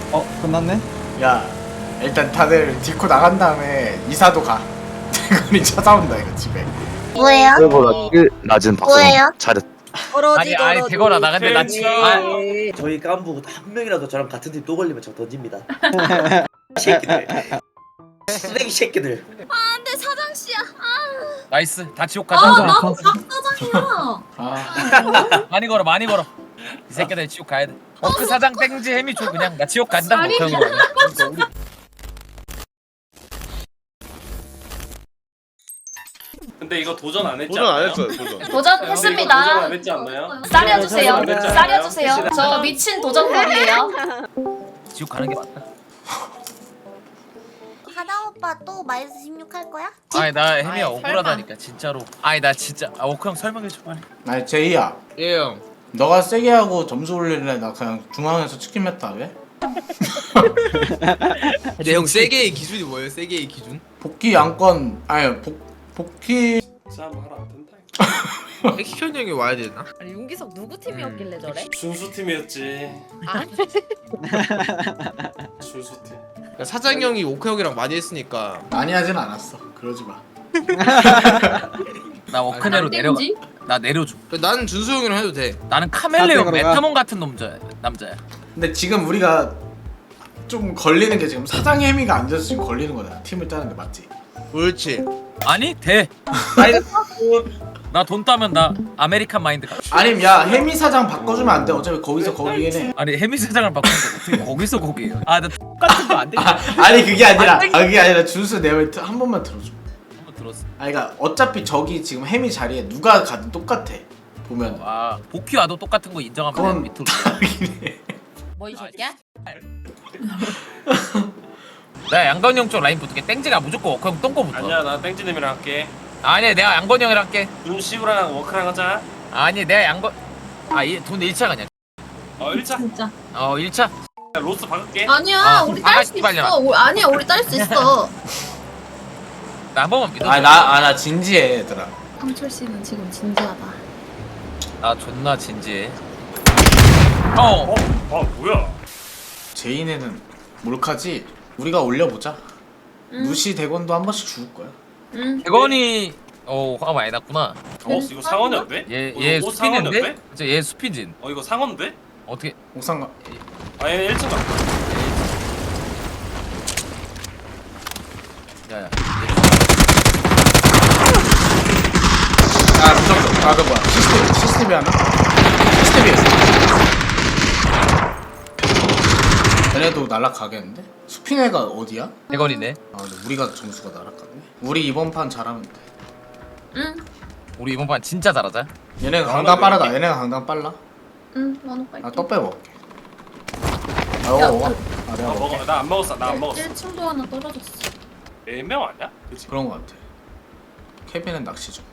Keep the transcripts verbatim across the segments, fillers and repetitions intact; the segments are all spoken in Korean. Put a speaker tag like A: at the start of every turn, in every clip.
A: 어 끝났네?
B: 야 일단 다들 딛고 나간 다음에 이사도 가. 대건이 찾아온다 이거 집에.
C: 뭐예요?
D: 그보다 킬 낮은 박성훈.
C: 뭐예요?
D: 잘했.
E: 아니 아니 대거라 나 근데 나 지금 아,
F: 저희 깐부 한 명이라도 저랑 같은 팀 또 걸리면 저 던집니다. 새끼들. 쓰레기 새끼들.
C: 안돼 사장씨야. 아,
E: 나이스 다 지옥
C: 아
E: 가자.
C: 나도 박사장이야.
B: 아
E: 많이 걸어 많이 걸어. 이 새끼들 지옥 가야 돼. 어그 사장 땡지 해미 줘 그냥 나 지옥 간다 뭐 그런 거.
G: 근데 이거 도전 안 했지
H: 도전 안
G: 않나요?
H: 했어요. 도전.
C: 도전했습니다.
G: 도전 안 했지 않나요?
C: 싸려주세요.
G: 안 했지 않나요?
C: 싸려주세요. 저 미친 도전꾼이에요.
E: 지옥 가는 게 맞다.
C: 하나 오빠 또 마이너스 십육 할 거야?
E: 아니 나 해미야
C: 아이,
E: 억울하다니까 진짜로. 아니 나 진짜 아 오크 형 설명해 줘 빨리.
B: 아니 제이야.
A: 예 형.
B: 너가 세게 하고 점수 올릴래? 나 그냥 중앙에서 치킨 했다 왜?
A: 근데 형 세게의 기준이 뭐예요? 세게의 기준?
B: 복귀 양권 아니 복 복귀
G: 진짜 한번 하라 안 된다.
A: 액션 형이 와야 되나?
I: 아니 윤기석 누구 팀이었길래 저래?
G: 준수 팀이었지.
I: 아
G: 준수 팀.
A: 그러니까 사장 형이 오크 형이랑 많이 했으니까
B: 많이 하진 않았어. 그러지 마.
E: 나 워크네로 내려가. 나 내려줘.
A: 나는 준수 형이랑 해도 돼.
E: 나는 카멜레온 메타몬 같은 남자 남자야.
B: 근데 지금 우리가 좀 걸리는 게 지금 사장 혜미가 앉아서 지금 걸리는 거잖아. 팀을 짜는 게 맞지?
A: 그렇지.
E: 아니 돼. 나 돈 따면 나 아메리칸 마인드 가.
B: 아님 야 혜미 사장 바꿔주면 안 돼. 어차피 거기서 거기긴 해.
E: 아니 해미 사장을 바꾸는 거 어떻게 거기서 거기에요? 아나 똑같은 거 안 돼.
B: 아니 그게 아니라 아, 그게 아니라 준수 내 말 한 번만 들어줘.
E: 한번 들었어.
B: 아니 그러니까 어차피 저기 지금 혜미 자리에 누가 가든 똑같아. 보면
E: 아 복귀 와도 똑같은 거 인정하면
B: 그건
E: 밑으로.
B: 다르긴 해.
I: 뭐 이 새끼야?
E: 내가 양건이 형 쪽 라인 붙을게. 땡지가 무조건 워크 형 똥꼬 붙어.
G: 아니야 나 땡지님이랑 할게.
E: 아니 내가 양건이 형이랑 할게.
G: 준씨랑 워크랑 하자.
E: 아니 내가 양건 아돈 일 차 그냥.
G: 어 일 차.
I: 진짜
E: 어 일 차.
G: 로스 박을게.
I: 아니야
E: 아,
I: 우리
E: 아,
I: 딸 수
E: 씨발년아.
I: 있어 오, 아니야 우리 딸 수 있어
E: 나 한 번만 믿어.
B: 아나 아 나 진지해 얘들아.
I: 황철 씨는 지금 진지하다
E: 나 존나 진지해. 어.
G: 어? 아 뭐야?
B: 제인에는 몰카지. 우리가 올려보자.
I: 응.
B: 무시 대건도 한 번씩 죽을 거야.
I: 응
E: 대건이 어 화가 많이 났구나.
G: 어 이거 상원이었대?
E: 얘
G: 어,
E: 얘
G: 이거
E: 수핀인데?
G: 상원이었대?
E: 진짜 얘 수핀진.
G: 어 이거 상원데?
E: 어떻게?
B: 옥상가.
G: 아 얘는 일 층 갔다.
E: 야야.
B: 아 무섭다. 아그 뭐야? 시스템 시스템이 하나? 시스템이었어. 얘네도 날락가겠는데? 수피네가 어디야?
E: 대건이네.
B: 아 근데 우리가 점수가 날락가네. 우리 이번 판 잘하면 돼.
I: 응
E: 우리 이번 판 진짜 잘하자.
B: 얘네가 강당 빠르다. 얘네가 강당 빨라.
I: 응 나눠 빨리
B: 아 떡 빼 먹을게. 아
I: 야,
B: 먹어.
I: 그-
B: 아 내가
G: 아
B: 먹을게.
G: 먹어. 나 안 먹었어. 나 안 먹었어.
I: 일 층도 하나 떨어졌어
G: 네 명 아니야? 그치?
B: 그런 거 같아. 케빈은 낚시 중.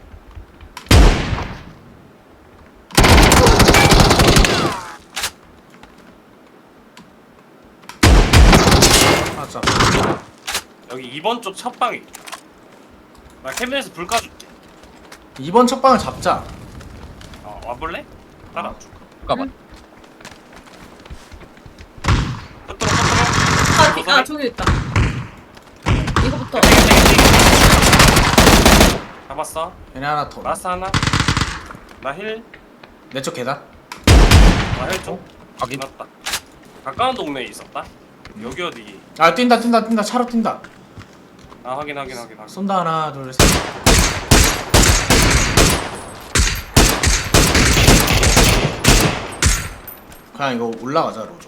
B: 맞아.
G: 여기 이 번 쪽 첫 방이. 나 캐비넷에서 불 꺼줄게.
B: 이번 첫 방을 잡자.
G: 어 와볼래? 따라.
B: 아,
E: 잠깐만.
G: 끝으로 끝으로.
I: 아, 기- 아 저기 있다 이거부터
G: 잡았어.
B: 얘네 하나 더.
G: 라스 하나. 나 힐.
B: 내 쪽 계단.
G: 나 힐 쪽.
E: 확인.
G: 끝났다. 가까운 동네에 있었다. 여기 어디?
B: 아 뛴다 뛴다 뛴다 차로 뛴다.
G: 아 확인 확인 확인 확인.
B: 쏜다 하나 둘 셋. 그냥 이거 올라가자 로조.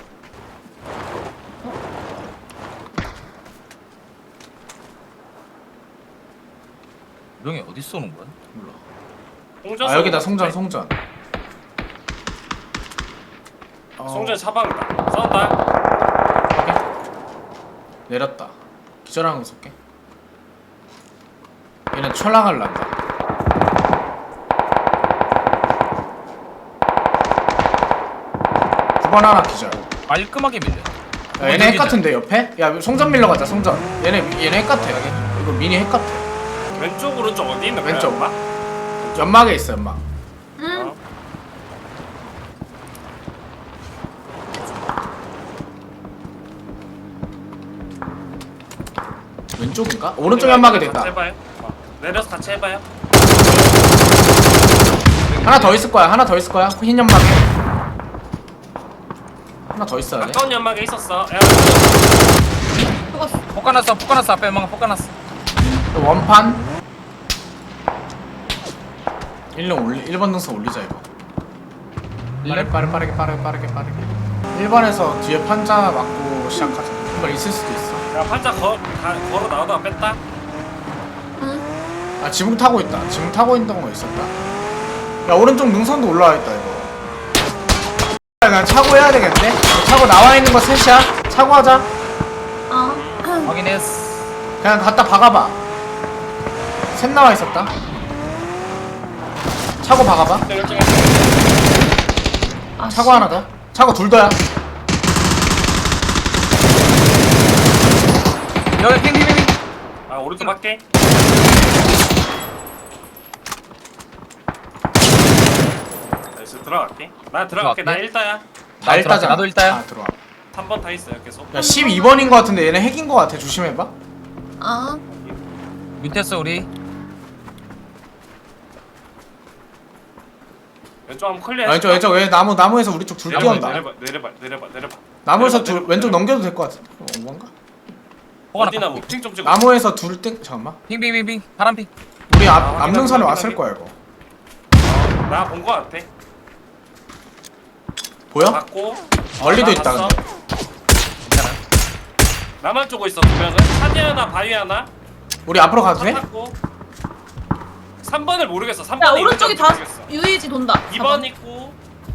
E: 명이 어디 쏘는 거야?
B: 몰라.
G: 송전
B: 아 여기다
G: 쏘는 거
B: 송전
G: 같아.
B: 송전. 어,
G: 송전 차방이다. 싸운다.
B: 내렸다. 기절하는 거 쏠게. 얘네 철랑할란다. 구 번 하나 기절.
E: 깔끔하게 밀려.
B: 야, 얘네 핵 같은데 옆에? 야 송전 밀러 가자 송전. 얘네 얘네 핵 같아. 이거 미니 핵 같아.
G: 왼쪽 오른쪽 어디 있는 거야?
B: 왼쪽.
G: 엄마?
B: 연막에 있어 연막.
I: 응
G: 어?
B: 왼쪽인가? 오른쪽 연막에
G: 같이
B: 됐다.
G: 해봐요. 어, 내려서 같이 해봐요.
B: 하나 더 있을 거야. 하나 더 있을 거야. 흰 연막에. 하나 더 있어야 돼.
G: 가까운 연막에 있었어. 야,
E: 폭가났어 폭가났어 앞에 막 폭가났어.
B: 또 원판. 일 번 올리 일 번 능선 올리자 이거. 빠르게 빠르게 빠르게 빠르게 빠르게 빠르게. 일 번에서 뒤에 판자 맞고 시작하자. 한 번 있을 수도 있어.
G: 야 판자 거, 가, 걸어 나오다가 뺐다.
B: 아 지붕 타고 있다. 지붕 타고 있던 거 있었다. 야 오른쪽 능선도 올라와 있다 이거. 그냥 차고 해야 되겠네. 차고 나와 있는 거 셋이야. 차고 하자.
C: 어.
E: 확인했어.
B: 그냥 갖다 박아봐. 셋 나와 있었다. 차고 박아봐.
C: 아,
B: 차고 하나 더. 차고 둘 더야.
E: 여기 핑핑핑.
G: 아 오른쪽 밖에. 나이스 들어갈게. 나 들어갈게. 나
E: 들어갈게.
G: 일다야.
B: 다 일다잖아.
E: 나도 일다야.
B: 아 들어와.
G: 삼 번 다 있어요 계속.
B: 야 십이 번인 거 같은데 얘네 핵인 거 같아. 조심해봐.
C: 어.
E: 밑에서 우리
G: 왼쪽 한번 클리어.
B: 아, 왼쪽 왼쪽 왜 나무 나무에서 우리 쪽 둘
G: 내려봐,
B: 뛰어온다.
G: 내려봐 내려봐 내려봐 내려봐.
B: 나무에서
G: 내려봐,
B: 둘
G: 내려봐,
B: 왼쪽
G: 내려봐.
B: 넘겨도 될 것 같은데. 어, 뭔가?
G: 어디나
E: 폭가났어.
G: 핑좀 찍어.
B: 나무에서 둘 땡. 잠깐만.
E: 핑핑핑핑 파란 핑.
B: 우리 앞
G: 아,
B: 앞능선에
G: 확인하게,
B: 왔을
G: 확인하게.
B: 거야 이거.
G: 나본 거 같아.
B: 보여?
G: 봤고.
B: 멀리도
G: 나
B: 있다
G: 봤어.
B: 근데.
E: 괜찮아.
G: 나만 쪼고 있어 두 명은. 산이 하나 바위 하나.
B: 우리 앞으로 가도 돼?
G: 탔고. 삼 번을 모르겠어. 삼
I: 야
G: 번이
I: 오른쪽이
G: 있는지
I: 다
G: 모르겠어.
I: 유에이지 돈다.
G: 이 번 있고.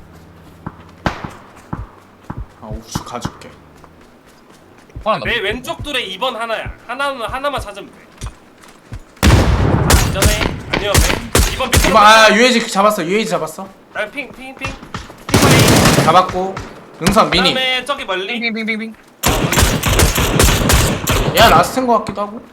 B: 아 우측 가줄게.
E: 폭가났다.
G: 내 왼쪽 둘에 이 번 하나야. 하나는 하나만 찾으면 돼. 전에 아니요. 이 번 밑에.
B: 이번 아 유에이지 잡았어. 유에이지 잡았어.
G: 핑핑핑 핑.
B: 잡았고. 능선 미니.
G: 그다음에 저기 멀리.
E: 핑핑핑핑핑.
B: 얘가 라스트인 거 같기도 하고.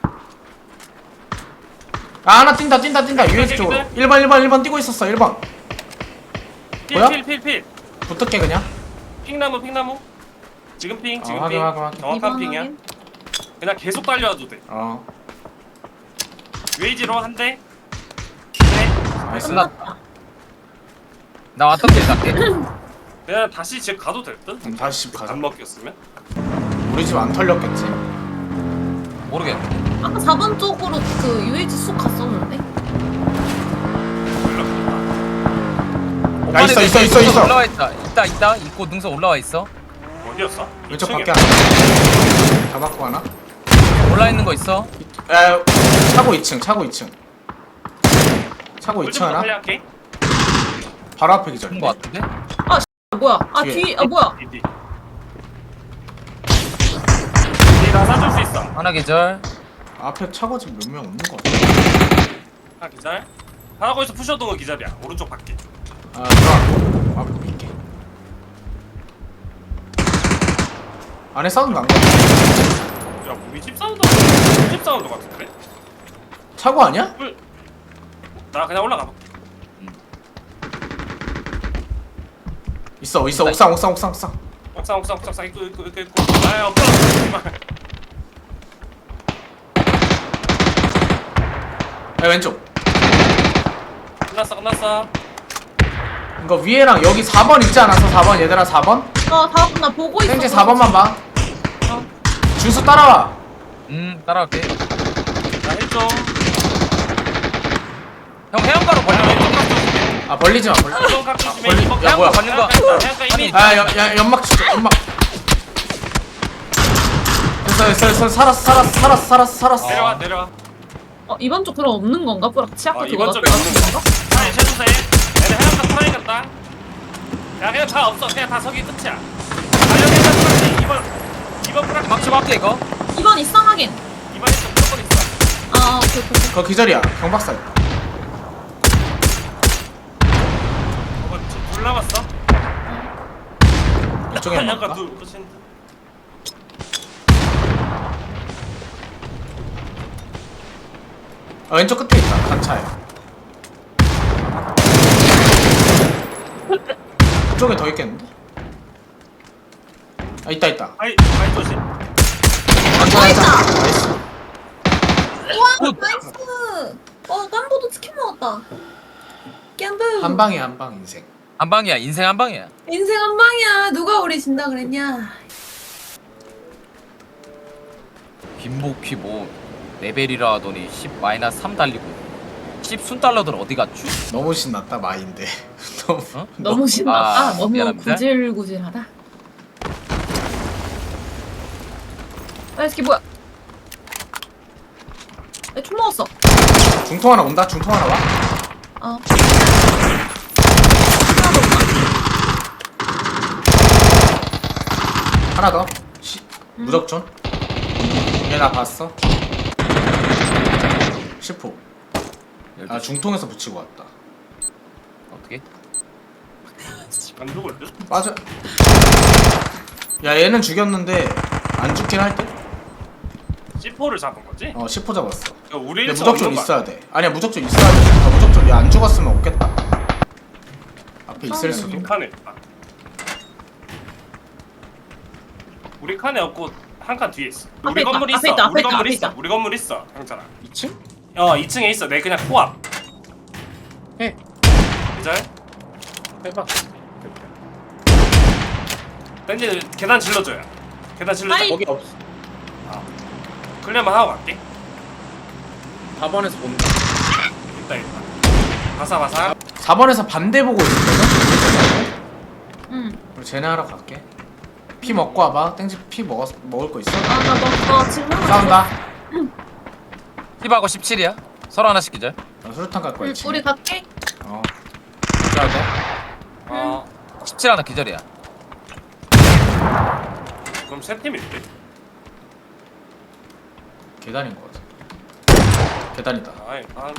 B: 아 하나 뛴다 뛴다 뛴다. 유에이지 쪽으로. 일 번 일 번 일 번 뛰고 있었어. 일 번. 뭐야?
G: 필필필필.
B: 붙을게 그냥.
G: 핑나무 핑나무. 지금 핑 지금
B: 어, 확인,
G: 핑.
B: 확인, 확인.
G: 정확한 핑이야. 그냥 계속 달려와도 돼.
B: 어.
G: 웨이지로 한 대. 네.
B: 나이스.
E: 끝났다. 나 왔던 길 갈게.
G: 그냥 다시 집 가도 될 듯?
B: 그럼 다시 집 가자.
G: 안 먹겠으면?
B: 우리 집 안 털렸겠지?
E: 모르겠네.
I: 아까 사 번 쪽으로 그 유에이지 쑥 갔었는데.
B: 야 있어 있어 있어 있어.
E: 올라와 있다. 있다 있다. 있고 능선 올라와 있어.
G: 어디였어?
B: 왼쪽
G: 이층이야.
B: 밖에 하나. 잡았고 하나.
E: 올라 있는 거 있어.
B: 야 차고 이 층 차고 이 층. 차고 이 층 하나.
G: 할게.
B: 바로 앞에 기절.
E: 그런 거 같은데.
I: 아 뭐야? 아
B: 뒤에.
I: 뒤 아 뭐야?
G: 디디. 디나 사줄 수 있어.
E: 하나 계절.
B: 앞에 차고 지금 몇 명 없는 거 같아.
G: 하나 기절. 하나 거기서 푸셔동은 기절이야. 오른쪽 밖에.
B: 아 들어와. 앞에 밀게. 안에 사운드 난 거. 같아.
G: 야 우리 집 사운드 우리 집 사운드 같은데?
B: 차고 아니야?
G: 나 그냥 올라가 볼게.
B: 있어 있어 옥상 옥상 옥상 옥상.
G: 옥상 옥상 옥상 옥상 있고 있고 있고 있고. 아 없어. 제발.
B: 야 왼쪽.
G: 끝났어 끝났어.
B: 이거 위에랑 여기 사 번 있지 않았어? 사 번 얘들아 사 번?
I: 어 다음 나 보고 있어.
B: 땡지 사 번만 봐.
I: 어.
B: 준수 따라와.
E: 음 따라갈게.
G: 나 일 점.
E: 형 해안가로 걸려.
B: 아 벌리지 마 벌리.
G: 이번 각 조심해.
B: 걸리-
G: 이번
B: 야,
G: 각
B: 뭐야.
E: 걸린 거.
G: 해안가 이미.
B: 아 야, 야 연막 진짜 연막. 됐어 됐어 됐어 살았어 살았어 살았어 살았어 살았어.
G: 내려와 내려와.
I: 어 이번 쪽 그럼 없는 건가? 뿌락치 아까
G: 어,
I: 그거
G: 이번 쪽에 없는 건가? 아니 최주세. 얘네 해안가 타야겠다. 야 그냥 다 없어. 그냥 다 서기 끝이야. 아 여기 다 이번 이번 프락
E: 막치 밖에 이거.
I: 이번 있어 하긴.
G: 이번 있어 무조건 있어.
I: 아 오케이 오케이. 오케이.
B: 그거 기절이야 경박사.
G: 이번 둘 남았어.
B: 이쪽에
G: 해안가
B: 연막가?
G: 둘 끝인데.
B: 아, 왼쪽 끝에 있다 단차에. 이쪽에 더 있겠는데? 아 있다 있다.
G: 아이 아이 조심.
B: 단차 단차. 나이스.
C: 와 나이스. 어 깜보도 치킨 먹었다. 깜보.
B: 한 방에 한 방 인생.
E: 한 방이야 인생 한 방이야.
C: 인생 한 방이야. 누가 우리 진다 그랬냐?
E: 빈복휘 뭐 레벨이라 하더니 십 마이너스 삼 달리고 십 순달러들 어디 갔죠?
B: 너무 신났다 마인드. 너무.
E: 어?
C: 너무 신났다.
E: 아,
C: 너무
E: 미안합니다.
C: 구질구질하다. 아, 이 새끼 뭐야? 내총 먹었어.
B: 중통 하나 온다. 중통 하나 와.
C: 어.
B: 하나 더. 시, 무적존. 얘 나 봤어. 십 호. 아 중통에서 붙이고 왔다.
E: 어떻게?
G: 안 죽을래?
B: 맞아. 야 얘는 죽였는데 안 죽긴 할 듯?
G: 씨포를 잡은 거지?
B: 어 십 호 잡았어.
G: 야, 우리
B: 근데
G: 일찍
B: 무적존
G: 없는 거
B: 있어야 돼. 아니야 무적존 있어야 돼. 아, 무적존 얘 안 죽었으면 없겠다. 앞에 있을 수도.
G: 우리 칸에 있다. 우리 칸에 없고 한 칸 뒤에 있어.
C: 앞에
G: 우리
C: 있다,
G: 건물
C: 앞에
G: 있어.
C: 있다, 앞에
G: 우리
C: 있다,
G: 건물
C: 앞에
G: 있어.
C: 있다.
G: 우리 건물 있어. 형찬아.
A: 이 층?
G: 어 이 층에 있어. 내 그냥 코앞.
A: 해.
G: 기절.
A: 해봐.
G: 땡지 계단 질러줘요. 계단 질러줘.
C: 아이.
A: 거기 없어.
G: 클리어만 하고 갈게.
A: 사 번에서 본다.
G: 있다 있다. 바사바사.
B: 사 번에서 반대 보고 있었거든?
C: 응.
B: 우리 쟤네 하러 갈게. 피 먹고 와봐. 땡지 피 먹었, 먹을 거 있어?
C: 아나 먹어. 지금 하나
B: 싸운다.
E: 힙하고 십칠이야. 서로 하나씩 기절.
B: 나 수류탄 갈 거야.
C: 응,
B: 지금.
C: 우리 갈게.
B: 어. 가야 돼.
G: 어.
E: 십칠 하나 기절이야.
G: 그럼 세 팀인데.
B: 계단인 거 같아. 계단이다.
G: 아이 한.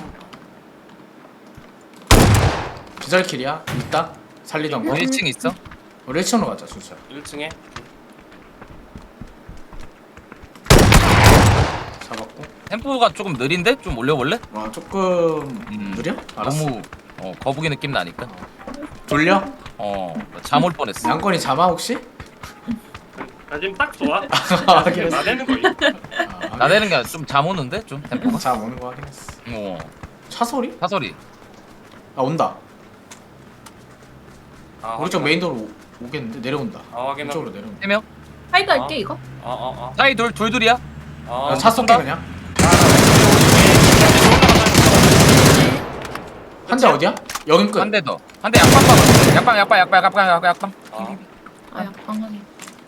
B: 기절킬이야. 있다. 살리던 거.
E: 우리 일 층 있어?
B: 우리 일 층으로 가자 순서.
G: 일 층에
B: 잡았고.
E: 템포가 조금 느린데? 좀 올려볼래?
B: 와 조금
E: 음,
B: 느려? 알았어.
E: 너무 어, 거북이 느낌 나니까.
B: 돌려?
E: 어잠 올 뻔했어.
B: 양권이 잠아 혹시?
G: 나 지금 딱 좋아.
B: 아, 그랬어.
G: 나대는 거.
B: 아,
E: 나대는 게 좀 잠 오는데 좀 템포가.
B: 잠 오는 거 확인했어.
E: 어
B: 차 소리?
E: 사소리.
B: 아 온다.
G: 아,
B: 오른쪽 메인 도로 오- 오겠는데 내려온다.
G: 아 확인하.
B: 이쪽으로 내려온다.
E: 세 명.
C: 하이드 할게 이거.
G: 어어 어.
E: 사이 둘 둘 둘이야.
G: 어.
B: 야, 차 쏠게 그냥. 한 대 어디야? 여긴 끝.
E: 한 대 더. 한 대 약방 봐. 약방 약방 약방 약방 약방 약방.
G: 어.
C: 아 약방하네.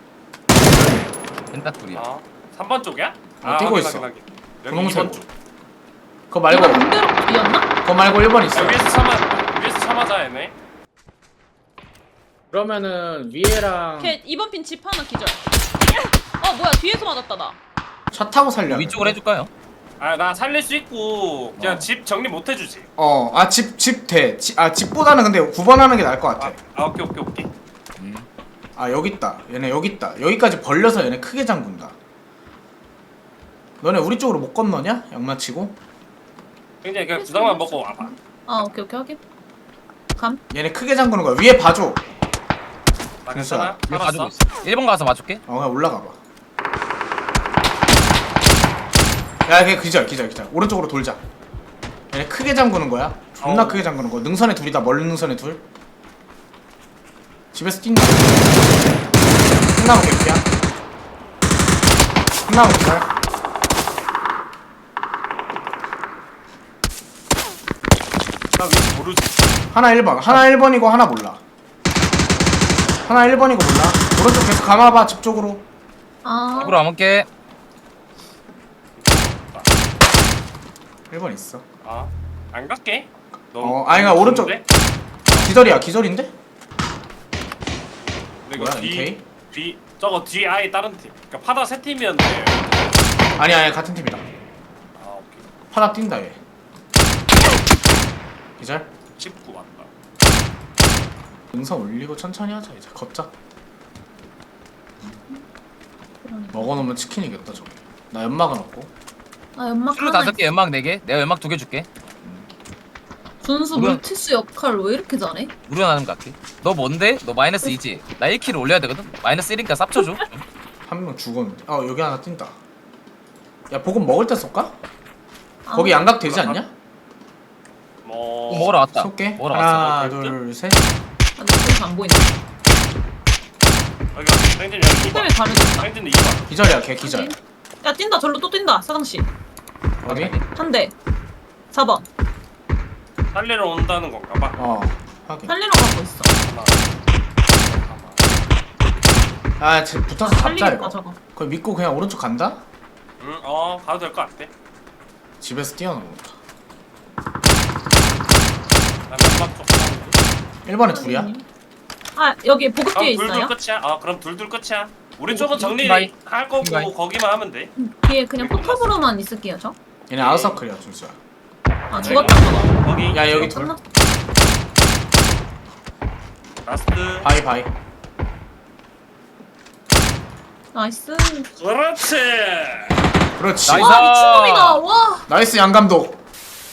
E: 펜타 둘이야.
G: 어. 삼 번 쪽이야?
B: 어, 뛰고
G: 확인,
B: 있어.
G: 확인, 확인. 여기
B: 분홍색.
G: 이 번 쪽.
B: 그거 말고
C: 이거 반대로 뒤였나?
B: 그거 말고 일 번 있어.
G: 야, 위에서 참아. 위에서 참아자 얘네.
A: 그러면은 위에랑
I: 걔 이번 핀 집 하나 기절. 어 뭐야 뒤에서 맞았다 나.
B: 차 타고 살려.
E: 위쪽으로 해줄까요?
G: 아 나 살릴 수 있고 그냥
B: 어.
G: 집 정리 못 해주지.
B: 어, 아 집 집 돼. 지, 아 집보다는 근데 구 번 하는 게 나을 것 같아.
G: 아, 아 오케이 오케이 오케이.
E: 음.
B: 아 여기 있다. 얘네 여기 있다. 여기까지 벌려서 얘네 크게 잠근다. 너네 우리 쪽으로 못 건너냐? 양마치고.
G: 굉장히 그냥 부당만 먹고 와봐.
C: 아 오케이 오케이 확인. 감.
B: 얘네 크게 잠그는 거야. 위에 봐줘.
G: 나
B: 됐어.
G: 괜찮아?
E: 이거
G: 살았어?
E: 가지고 있어. 일 번 가서 맞출게.
B: 어 그냥 올라가 봐. 야, 걔 기절, 기절, 기절. 오른쪽으로 돌자. 얘네 크게 잠그는 거야. 존나
G: 어우.
B: 크게 잠그는 거야. 능선에 둘이다. 멀리 능선에 둘. 집에서 뛴다. 끝나면 개피야. 끝나면 기절.
G: 나 위치 모르지.
B: 하나 일 번. 하나 일 번이고 하나 몰라. 하나 일 번이고 몰라. 오른쪽 계속 감아봐. 집 쪽으로.
C: 아.
E: 입으로 안 먹게.
B: 일 번 있어.
G: 아, 안 갈게.
B: 어, 아니, 그러니까 오른쪽.
G: 좋은데?
B: 기절이야. 기절인데?
G: 근데 이거
B: 뭐야,
G: 뒤,
B: 이케이?
G: 뒤, 저거 뒤 아예 다른 팀. 그러니까 파다 세 팀이었는데.
B: 아니, 아니, 같은 팀이다.
G: 아, 오케이.
B: 파다 뛴다, 얘. 기절?
G: 십구 왔다.
B: 능선 올리고 천천히 하자 이제 걷자. 먹어놓으면 치킨이겠다 저게. 나 연막은 없고.
C: 아 연막
E: 술로
C: 하나.
E: 다섯 개, 연막 네 개. 내가 연막 두 개 줄게.
C: 준수
E: 뭐야?
C: 물티슈 역할 왜 이렇게 잘해?
E: 우려나는 거 같게. 너 뭔데? 너 마이너스 이지. 나 일 킬을 올려야 되거든. 마이너스 일이니까 쌉쳐줘. 좀.
B: 한 명 죽었는데. 어 여기 하나 뛴다. 야 보급 먹을 때 쏠까?
C: 아,
B: 거기 양각 되지 않냐?
G: 뭐
E: 먹으러 왔다.
B: 쏠게.
E: 먹으러
B: 하나
E: 왔어.
B: 둘셋.
C: 아, 나 지금 안 보인다.
G: 여기 땡진 여기 이 번
C: 때문에 가려졌다.
G: 땡진 이 번
B: 기절이야 걔 기절.
C: 야 뛴다 절로 또 뛴다 사장씨.
B: 어디?
C: 한 대. 사 번.
G: 살리러 온다는 건가 봐.
B: 어 확인.
C: 살리러 가고 있어.
G: 하나.
B: 아 쟤 붙어서 잡자
C: 살리겠다
B: 이거.
C: 저거.
B: 그걸 믿고 그냥 오른쪽 간다?
G: 응, 어 가도 될 것 같아.
B: 집에서 뛰어넘는다.
G: 나 연막 쪽.
B: 일 번에 둘이야?
C: 아 여기 보급 뒤에
G: 그럼
C: 있어요?
G: 둘둘 끝이야. 어 그럼 둘둘 끝이야. 우리 쪽은 정리
E: 핑가이.
G: 할 거고
E: 핑가이.
G: 거기만 하면 돼.
C: 음, 뒤에 그냥 포탑으로만 있을게요 저.
B: 얘네 아웃서클이야 준수야.
C: 아 죽었다 저거.
G: 거기.
B: 야 여기 둘.
C: 끝났.
G: 라스트.
B: 바이 바이.
C: 나이스.
G: 그렇지.
B: 그렇지.
E: 나이스.
C: 와 미친놈이다. 와.
B: 나이스 양 감독.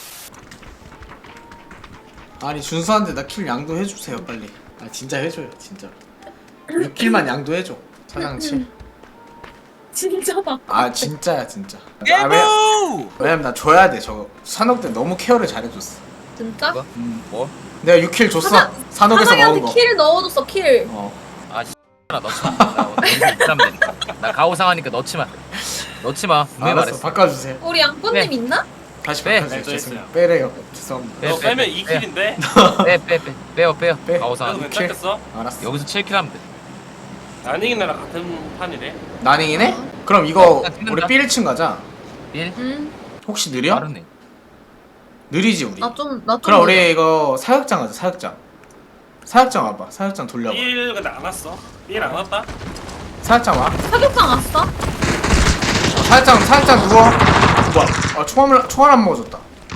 B: 아니 준수한테 나 킬 양도 해주세요 빨리. 아 진짜 해줘요 진짜. 육 킬만 양도 해줘. 사장치.
C: 진짜다.
B: 아 진짜야 진짜. 아, 왜, 왜냐면 나 줘야 돼 저거. 산옥 때 너무 케어를 잘해줬어.
C: 진짜?
E: 뭐? 뭐?
B: 내가 육 킬 줬어.
C: 사장-
B: 산옥에서 먹은
C: 사장이한테
B: 거.
C: 킬 넣어줬어 킬.
B: 어.
E: 아 씨. 나 넣지 마. 나 너무 부담돼. 나 가오상하니까 넣지 마. 넣지 마. 분명히
B: 알았어
E: 말했어.
B: 바꿔주세요.
C: 우리 양꾼님
E: 네.
C: 있나?
B: 다시
E: 네.
B: 바꿔주세요.
G: 네,
B: 죄송해요.
G: 있어요.
B: 빼래요. 죄송합니다.
E: 빼,
G: 너
E: 빼,
G: 빼면
E: 빼,
G: 이 킬인데.
E: 빼, 빼, 빼. 빼요, 빼요.
B: 빼.
G: 그래도
E: 가오상.
B: 킬.
G: 괜찮겠어?
B: 알았어.
E: 여기서 칠 킬 하면 돼.
G: 아닝이 나랑 같은 판이래.
B: 나닝이네? 그럼 이거
E: 나 찍는다.
B: 우리 B 일 층 가자.
E: 일.
C: 응.
B: 혹시 느려?
E: 빠르네.
B: 느리지 우리.
C: 나 좀 나 좀.
B: 그럼 우리 이거 사육장 가자. 사육장. 사육장 와봐. 사육장 돌려봐.
G: 일 근데 안 왔어. 일 안 왔다.
B: 사육장 와.
C: 사격장 왔어?
B: 사육장 사육장 누워. 뭐야? 아 총알 총알 안 먹어줬다.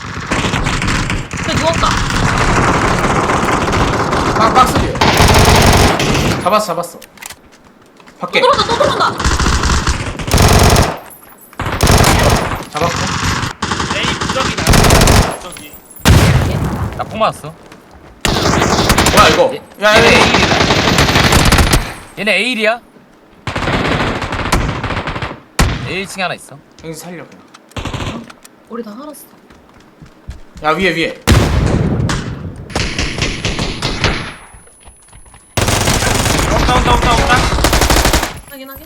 C: 그래 누웠다.
B: 박 박스 뒤에. 잡았어 잡았어. 밖에
C: 또 들어온다 또 들어온다.
B: 잡았고.
G: 에이 무적이 나. 무적이.
E: 나 폭 맞았어.
B: 뭐야 이거? 야
E: 얘네
B: 얘네.
E: 에일이다. 얘네 에일이야? 에일 층에 하나 있어.
B: 여기 살려 그냥.
C: 우리 다 살았어.
B: 야 위에 위에.
G: 온다 온다 온다 온다.
C: 확인 확인.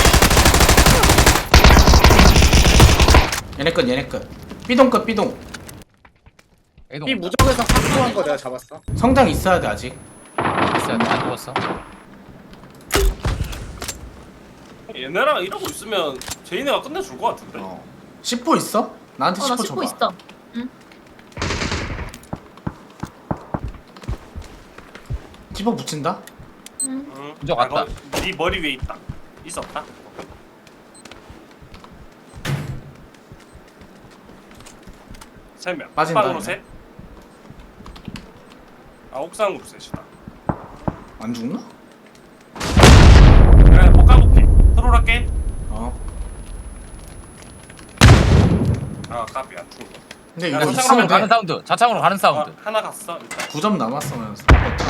B: 얘네 끝 얘네 끝. 삐동 끝 삐동.
E: 애도
A: 이 무적에서 확보한 거 내가 잡았어.
B: 성장 있어야 돼 아직.
E: 있어야 돼. 안 죽었어.
G: 얘네랑 이러고 있으면 제이네가 끝내줄 것 같은데.
B: 어. 십 호 있어? 나한테
C: 어나
B: 십 호
C: 씹고
B: 줘봐.
C: 있어. 응.
B: 십 호 붙인다?
C: 응.
G: 응.
E: 무적 왔다.
G: 아, 너, 네 머리 위에 있다. 있었다. 세 명.
B: 빠진다,
G: 옥상으로
B: 얘네.
G: 셋. 아 옥상으로 셋이다.
B: 안 죽나?
G: 그래 볶아볼게. 트롤할게.
B: 어.
G: 아 까비 안 죽어.
B: 근데
G: 야,
B: 이거
G: 자창으로
B: 있으면
E: 가는
B: 돼.
E: 사운드. 자창으로 가는
G: 아,
E: 사운드.
G: 하나 갔어 일단.
B: 구 점 남았으면서.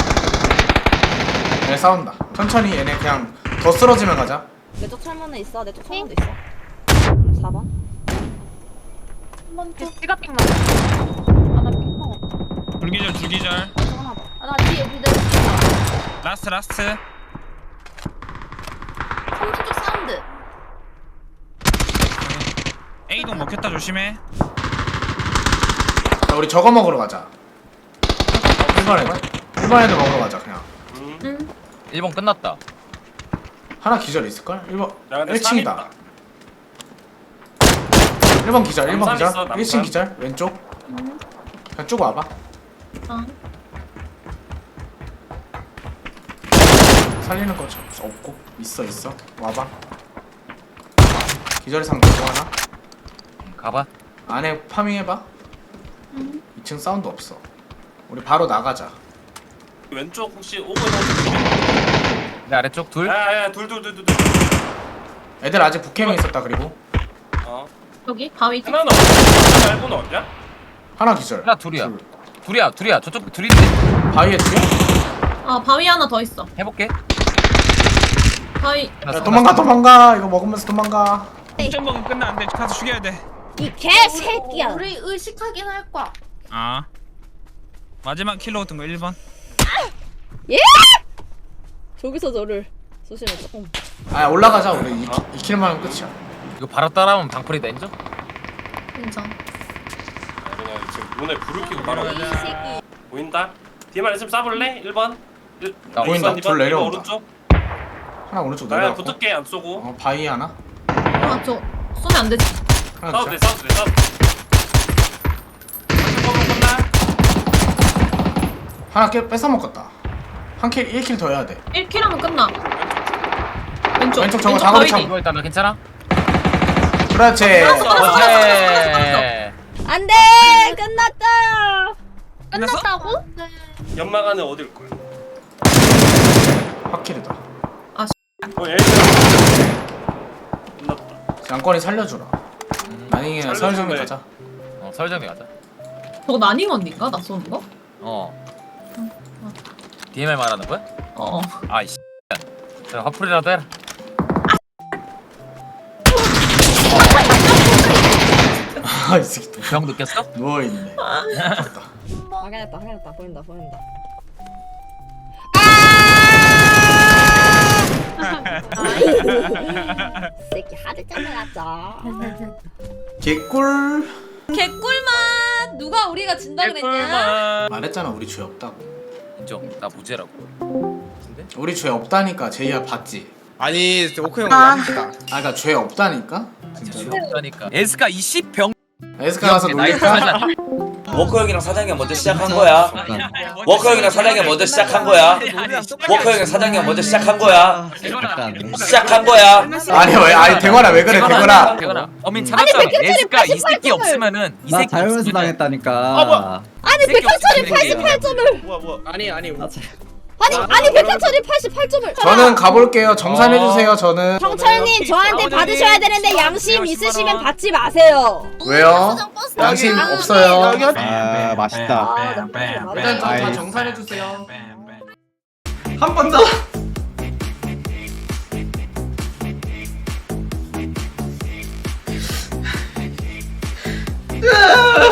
B: 얘네 싸운다. 천천히 얘네 그냥 더 쓰러지면 가자.
H: 내 쪽 철문에 있어. 내 쪽 철문도 있어. 사 번.
C: 한번 더.
H: 지갑핑 맞아. 아나 핑 먹었다.
J: 불기절 불기절
H: 하나 더. 아나 뒤에 뒤에
J: 라스트 라스트
H: 삼 쪽 사운드.
J: A동 먹혔다 조심해.
B: 자, 우리 저거 먹으러 가자. 일 번 애들. 일 번 애들 먹으러 가자 그냥.
G: 음.
C: 응.
E: 일 번 끝났다.
B: 하나 기절 있을걸? 일 번.
G: 야, 근데
B: 일 층이다.
G: 삼
B: 일 번 기절, 일 번
G: 남산
B: 기절.
G: 있어, 남산.
B: 일 층 기절, 왼쪽.
C: 응.
B: 그냥 쭉 와봐.
C: 어.
B: 살리는 거 저- 없고. 있어, 있어. 와봐. 기절의 상태 또 하나.
E: 응, 가봐.
B: 안에 파밍해봐.
C: 응.
B: 이 층 사운드 없어. 우리 바로 나가자.
G: 왼쪽 혹시 오고 있는
E: 내 아래쪽 둘.
G: 야야 둘둘둘둘 둘.
B: 애들 아직 북캠에 있었다 그리고.
G: 어.
C: 여기 바위 뒤.
G: 하나는 어디야? 말고는 어디야?
B: 하나 기절.
E: 하나 둘이야.
B: 둘.
E: 둘이야, 둘이야. 저쪽 둘인데.
B: 바위에 둘이야?
C: 아 바위 하나 더 있어.
E: 해볼게.
C: 바위.
E: 하나
B: 야,
E: 쏜다.
B: 도망가 도망가. 이거 먹으면서 도망가.
J: 점 먹으면 끝나는데 가서 죽여야 돼.
H: 이 개새끼야.
I: 우리 의식하긴 할 거야.
J: 아 마지막 킬로 같은 거 일 번.
H: 예? 저기서 저를 쏘시면 조금.
B: 아 올라가자 우리 이 킬만 하면 끝이야.
E: 이거 바로 따라하면 방풀이다 인정?
C: 인정.
G: 그냥 지금 눈에 불을 켜고 바로
H: 이 새끼.
G: 보인다. 뒤에만 있으면 쏴볼래? 일 번. 일,
E: 나
G: 아,
B: 보인다.
G: 이 번, 이
B: 둘
G: 번,
B: 내려온다.
G: 이 번 오른쪽.
B: 하나 오른쪽
G: 나야
B: 내려갔고.
G: 붙을게 안 쏘고.
B: 어 바위 하나.
C: 아, 저 쏘면 안 되지.
B: 하나
G: 싸워도 돼,
B: 기절.
G: 싸워도 돼, 싸워도 돼. 한번 끝나.
B: 하나 깨 뺏어 먹었다. 한 킬 일 킬 더 해야 돼.
C: 일 킬 하면 끝나. 왼쪽.
B: 왼쪽 저거 작업이
C: 바위 뒤.
E: 이거 일단 나 괜찮아?
B: 그렇지.
E: 그렇지.
H: 안돼 끝났다.
I: 끝났다고?
G: 연막 안에 어딜 거야?
B: 확킬이다.
G: 어, 얘 끝났다.
B: 양권이 살려주라. 아니
G: 살려주네.
B: 서울정리 가자.
E: 어 설정리 가자.
C: 저거 나닝 언니인가? 나 쏘는 거?
E: 어. 디엠엘 말하는 거야?
C: 어.
E: 아이씨. 그럼 화풀이라도 해라.
B: 아이 새끼 또
E: 병 느꼈어?
B: 누워 있네.
H: 확인했다 확인했다 보인다 보인다. 새끼 하드 잘라놨죠.
B: 개꿀.
I: 개꿀맛. 누가 우리가 진다 그랬냐?
B: 말했잖아 우리 죄 없다고.
E: 인정. 나 무죄라고. 근데?
B: 우리 죄 없다니까 제이야 봤지?
A: 아니 오크 형 양치다.
B: 아 그니까 죄 없다니까?
E: 진짜
B: 진짜로?
E: 죄 없다니까. 에스카 이십 병.
B: 에스카 가서 놀릴까?
F: 워커 형이랑 사장이가 먼저 시작한 거야. 워커 형이랑 사장이가 먼저 시작한 거야. 워커 형이랑 사장이가 먼저 시작한 거야. 시작한 거야.
B: 아니 왜 아니 대관아 왜 그래 대관아.
E: 대건아. 어민 찾았잖아. 에스카 이 새끼 없으면은 이 새끼
K: 자연에서
E: 없으면은
K: 당했다니까.
H: 아니 백현철이 팔십팔 점을.
A: 뭐야 뭐야. 아니 아니.
H: 아니 아니 백현철이 팔십팔 점을.
B: 저는 가볼게요. 정산해주세요 저는.
H: 경철님 저한테 받으셔야 되는데 양심 있으시면 받지 마세요.
B: 왜요? 양심 없어요.
K: 아 맛있다.
B: 일단 저 다
K: 아이.
B: 정산해주세요. 한 번 더. 으아!